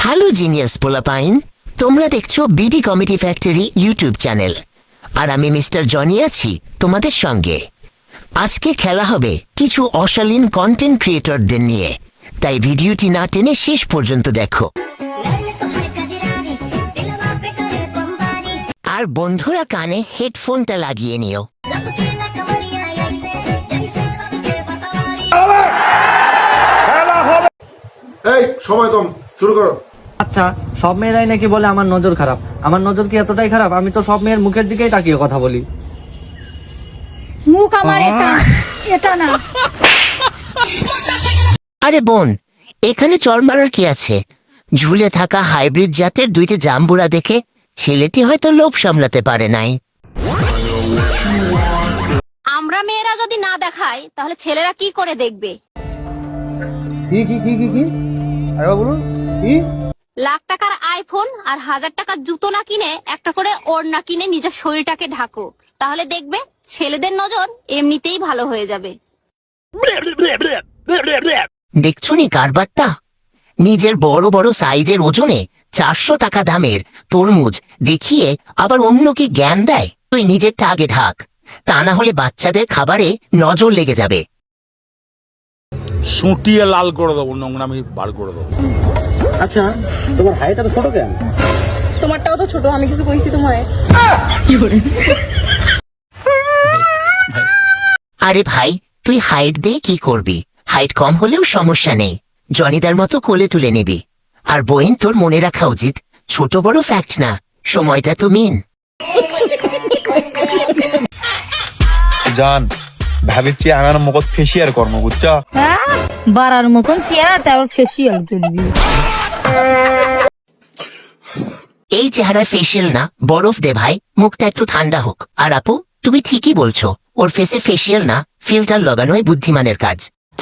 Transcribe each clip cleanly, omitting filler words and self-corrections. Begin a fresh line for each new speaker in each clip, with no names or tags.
Hello genius পোলাপাইন, তোমরা দেখছো BD comedy factory YouTube channel, আর আমি মিস্টার জনি আছি তোমাদের সঙ্গে। আজকে খেলা হবে কিছু অশালীন কন্টেন্ট ক্রিয়েটরদের নিয়ে, তাই ভিডিওটি না টেনে শেষ পর্যন্ত দেখো। আর বন্ধুরা কানে হেডফোনটা লাগিয়ে নিও।
এই সময় কম, শুরু করো।
আচ্ছা, সব মেয়েরাই নাকি বলে আমার নজর খারাপ। আমার নজর কি এতটাই খারাপ? আমি তো সব মেয়ের মুখের দিকেই তাকিয়ে কথা বলি।
মুখ আমার এটা না।
আরে বোন, এখানে চর মারার কি আছে? ঝুলে থাকা হাইব্রিড জাতের দুইটি জাম্বুরা দেখে ছেলেটি হয়তো লোভ সামলাতে পারে নাই।
আমরা মেয়েরা যদি না দেখাই তাহলে ছেলেরা কি করে দেখবে?
কি আরে বলুন কি?
লাখ টাকার আইফোন আর 1000 টাকার জুতো না কিনে একটা করে ওড়না কিনে নিজের শরীরটাকে ঢাকো, তাহলে দেখবে ছেলেদের নজর এমনিতেই ভালো হয়ে যাবে।
দেখছো নি কারবারটা? নিজের বড় বড় সাইজের ওজনে 400 টাকা দামের তরমুজ দেখিয়ে আবার অন্যকে জ্ঞান দেয়। তুই নিজেরটা আগে ঢাক, তা না হলে বাচ্চাদের খাবারে নজর লেগে যাবে।
সুটিয়ে লাল করে দেবো, নোংরামি বার করে দেবো।
আচ্ছা, তোমার হাইট এত ছোট কেন?
তোমারটাও তো ছোট, আমি কিছু কইছি তোমায়?
আরে ভাই, তুই হাইট দিয়ে কি করবি? হাইট কম হলেও সমস্যা নেই, জনিদার মতো কোলে তুলে নিবি। আর বইন, তোর মনে রাখা উচিত ছোট বড় ফ্যাক্ট না, সময়টা তো মেন।
জান ভাবিছি আমার মুখত ফেসিয়ার কর্ম বুঝছ।
বাড়ার মতন চেহারা তারপর ফেসিয়াল করবি।
এই চেহারা ফেসিয়াল না, বরফ দে ভাই, মুখটা একটু ঠান্ডা হোক। আর আপু, তুমি ঠিকই বলছো, ওর ফেসে ফেসিয়াল না, ফিল্টার লাগানোই বুদ্ধিমানের কাজ।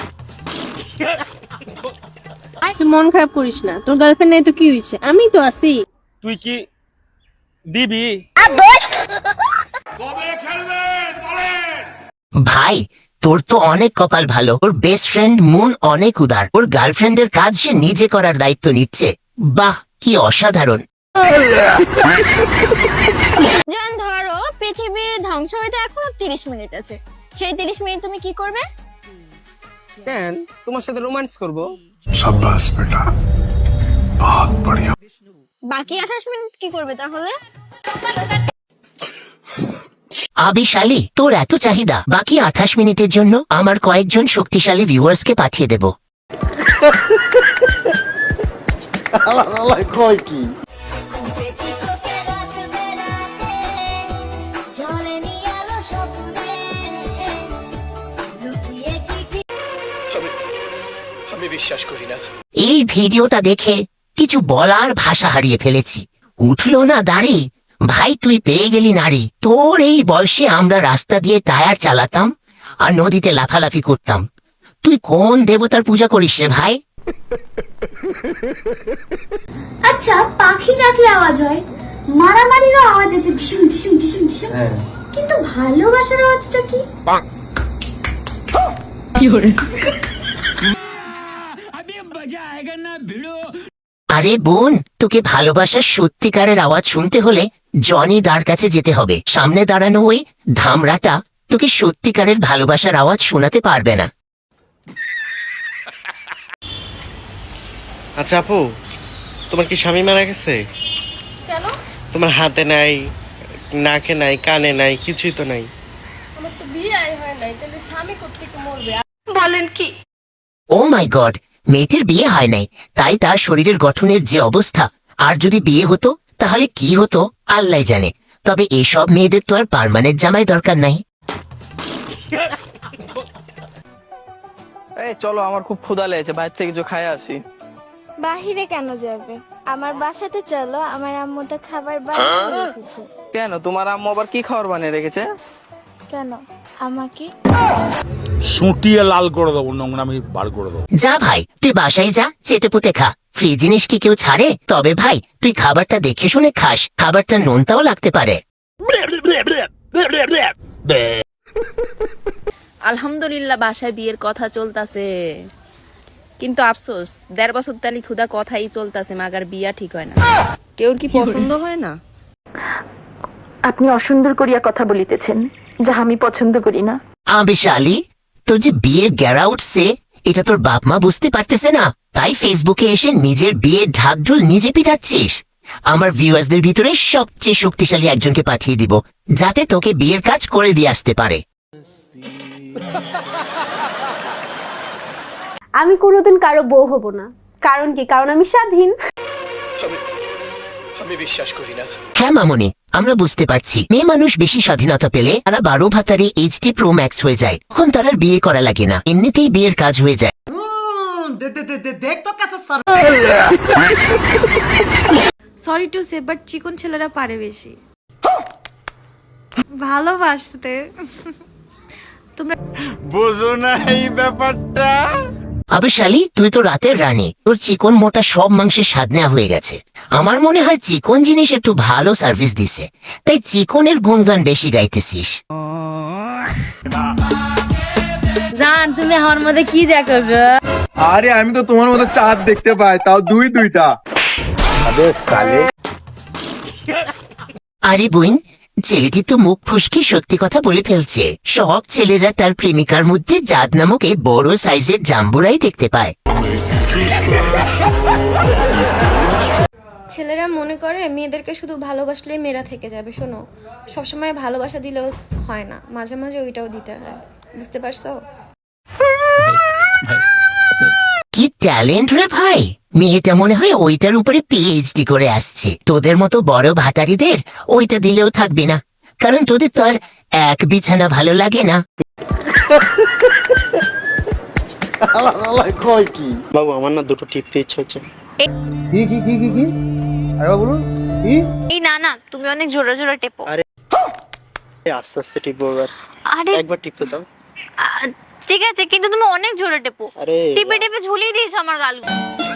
তুই মন খারাপ করিস না, তোর গার্লফ্রেন্ড নেই তো কি হয়েছে, আমি তো আছি।
তুই কি দিবি?
ভাই, তোর তো অনেক কপাল ভালো, ওর বেস্ট ফ্রেন্ড মুন অনেক উদার, ওর গার্লফ্রেন্ডের কাজ সে নিজে করার দায়িত্ব নিচ্ছে। বাহ, কি অসাধারণ।
জান, ধরো পৃথিবী ধ্বংস হইতে এখনো 30 মিনিট আছে, সেই 30 মিনিট তুমি কি করবে?
কেন, তোমার সাথে রোম্যান্স করব।
শাবাশ বেটা, বহুত বড়িয়া।
বাকি 28 মিনিট কি করবে তাহলে?
আবিশালী, তোর এত চাহিদা, বাকি 28 মিনিটের জন্য আমার কয়েকজন শক্তিশালী ভিউয়ার্সকে পাঠিয়ে দেব।
কয় কি?
এই ভিডিওটা দেখে কিছু বলার ভাষা হারিয়ে ফেলেছি। উঠলো না দাড়ি, ভাই তুই পেয়ে গেলি নারী। তোর এই বয়সে আমরা রাস্তা দিয়ে টায়ার চালাতাম আর নদীতে লাফালাফি করতাম। তুই কোন দেবতার পূজা করিস রে ভাই?
আচ্ছা, পাখি ডাকলে আওয়াজ হয়, মারামারিরও আওয়াজ আছে, ঢিসুম ঢিসুম ঢিসুম ঢিসুম, কিন্তু ভালোবাসার আওয়াজটা কি?
আরে বোন, তোকে ভালোবাসার সত্যিকারের আওয়াজ শুনতে হলে জনি দার কাছে যেতে হবে। সামনে দাঁড়ানো ওই ধামরাটা তোকে সত্যিকারের ভালোবাসার আওয়াজ শোনাতে পারবে না।
আচ্ছা আপু, তোমার কি স্বামী মারা গেছে?
কেন?
তোমার হাতে নাই, নাকে নাই, কানে নাই, কিছুই তো নাই।
আমার তো বিয়ে হয় নাই, তাহলে স্বামী কোত্থেকে মরবে? বলেন কি?
ও মাই গড, মেয়েটির বিয়ে হয় নাই, তাই তার শরীরের গঠনের যে অবস্থা, আর যদি বিয়ে হতো তাহলে কি হতো আল্লাহ জানে। তবে এসব মেয়েদের তো আর পার্মানেন্ট জামাই দরকার নাই।
এই চলো, আমার খুব ক্ষুধা লেগেছে, বাইরে থেকে কিছু খাই আসি।
বাহিরে কেন যাবে? আমার বাসাতে চলো, আমার আম্মু তো খাবার বানিয়ে রেখেছে।
কেন, তোমার আম্মু আবার কি খাবার বানিয়ে রেখেছে?
কেন, আমাকে
সুটিয়ে লাল করে দেবো, নোংরামি বার করে দেবো।
যা ভাই, তুই বাসায় যা, চেটে পুটে খা। ফ্রি জিনিস কি কেউ ছাড়ে? তবে ভাই, তুই খাবারটা দেখে শুনে খাস, খাবারটা নোনতাও লাগতে পারে।
আলহামদুলিল্লাহ, বাসায় বিয়ের কথা চলতেছে। কিন্তু আফসোস 1.5 বছর তালি খুদা কথাই চলতেছে মাগার বিয়া ঠিক হয় না। কেউর কি পছন্দ হয় না?
আপনি অসুন্দর করিয়া কথা বলিতেছেন, যা আমি পছন্দ করি না।
বিশালী, তোর যে বিয়ের গ্যারা উঠছে এটা তোর বাপ মা বুঝতে পারতেছে না, তাই ফেসবুকে এসে নিজের বিয়ের ঢাকঢোল নিজে পিটাচ্ছিস। আমার ভিউয়ার্সদের ভিতরে সবচেয়ে শক্তিশালী একজনকে পাঠিয়ে দিব, যাতে তোকে বিয়ের কাজ করে দিয়ে আসতে পারে।
আমি কোনোদিন কারো বউ হব না। কারণ কি? কারণ আমি স্বাধীন।
আমি বিশ্বাস করি না।
হ্যাঁ মামনি, আমরা বুঝতে পারছি মেয়ে মানুষ বেশি স্বাধীনতা পেলে তারা 12 ভাতারে HD Pro Max হয়ে যায়, তখন তার আর বিয়ে করা লাগে না, এমনিতেই বিয়ের কাজ হয়ে যায়।
সরি টু সে, বাট চিকন ছেলেরা পারে বেশি ভালোবাসতে। তোমরা
বোঝো না এই ব্যাপারটা।
শালী, তুই তো রাতের রানী, তোর চিকন মোটা সব মাংসের স্বাদ নেওয়া হয়ে গেছে। আমার মনে হয় চিকন জিনিস একটু ভালো সার্ভিস দিছে, তাই চিকনের গুণগান বেশি গাইতেছিস।
জান, তুমি আমার মধ্যে কি দেখো গো?
আরে আমি তো তোমার মতো চাঁদ দেখতে পাই, তাও দুইটা।
আরে বোন, ছেলেটি তো মুখ ফুসকি সত্যি কথা বলে ফেলছে। সব ছেলেরা তার প্রেমিকার মধ্যে জাত নামক এই বড় সাইজের জাম্বুরাই দেখতে পায়।
ছেলেরা মনে করে মেয়েদেরকে শুধু ভালোবাসলেই মেয়েরা থেকে যাবে। শোনো, সবসময় ভালোবাসা দিলেও হয় না, মাঝে মাঝে ওইটাও দিতে হয়। বুঝতে পারছো?
কি ট্যালেন্ট রে ভাই! মেয়েটা মনে হয় ওইটার উপরে PhD করে আসছে। তোদের মতো বড় ভাতারিদের ওইটা দিলেও থাকবে না, কারণ তোদের তো আর এক বিছানা ভালো লাগে না।
বাবু আমার না দুটো টিপতে ইচ্ছে হচ্ছে।
এই না না, তুমি অনেক জোরে জোরে টেপো।
আরে আস্তে আস্তে টিপবো এবার।
আরে
একবার টিপতে দাও।
ঠিক আছে, কিন্তু তুমি অনেক জোরে টেপো।
আরে
টিপে টিপে ঝুলিয়ে দিয়েছো আমার গালগুলো।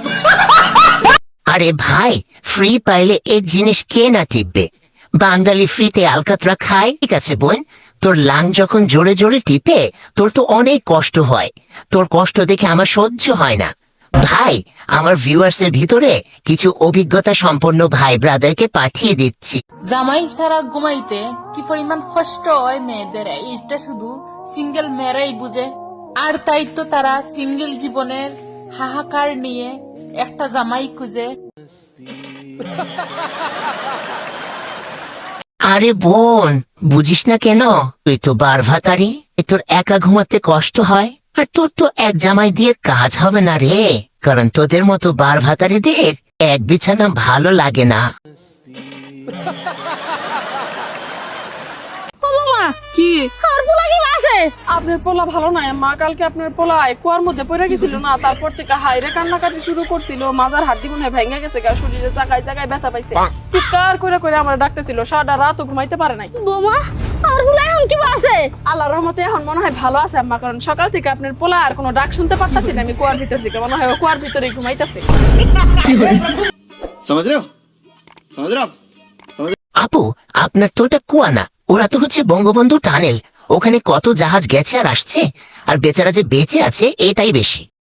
আরে ভাই, ফ্রি পাইলে এই জিনিস কে না টিপবে? বাঙালি ফ্রিতে আলকাতরা খায়। ঠিক আছে বোন, তোর লাং যখন জোরে জোরে টিপে তোর তো অনেক কষ্ট হয়। তোর কষ্ট দেখে আমার সহ্য হয় না। ভাই, আমার ভিউয়ার্সের ভিতরে কিছু অভিজ্ঞতা সম্পন্ন ভাই ব্রাদারকে পাঠিয়ে দিচ্ছি।
জামাই সারা ঘুমাইতে কি পরিমাণ কষ্ট হয় মেয়েদের, এটা শুধু সিঙ্গেল মেয়েরাই বুঝে। আর তাই তো তারা সিঙ্গেল জীবনের হাহাকার নিয়ে একটা জামাই খুঁজে।
আরে বোন, বুঝিস না কেন? তুই তো বারভাতারি, তোর একা ঘুমাতে কষ্ট হয়। আর তোর তো এক জামাই দিয়ে কাজ হবে না রে, কারণ তোদের মতো বারভাতারিদের এক বিছানা ভালো লাগে না।
কি আর পোলা কি আছে? আপনার পোলা ভালো নাই মা। কালকে আপনার পোলা কুয়ার মধ্যে পড়ে গেছিল না, তারপর থেকে হাইরে কান্নাকাটি শুরু করছিল। মাজার হাড্ডি মনে হয় ভেঙে গেছে, শরীরে জায়গায় জায়গায় ব্যথা পাইছে। চিৎকার করে করে আমরা ডাকতেছিল, সারা রাতও ঘুমাইতে পারে নাই। বোমা, আর পোলা এখন কি আছে? আল্লাহর রহমতে এখন মনে হয় ভালো আছে আম্মা, কারণ সকাল থেকে আপনার পোলা আর কোনো ডাক শুনতে পারতাছি না। আমি কুয়ার ভিতর থেকে মনে হয় কুয়ার ভিতরেই ঘুমাইতেছে।
আপু, আপনার তো ওটা কুয়া না, ওরা তো হচ্ছে বঙ্গবন্ধু টানেল। ওখানে কত জাহাজ গেছে আর আসছে, আর বেচারা যে বেঁচে আছে এটাই বেশি।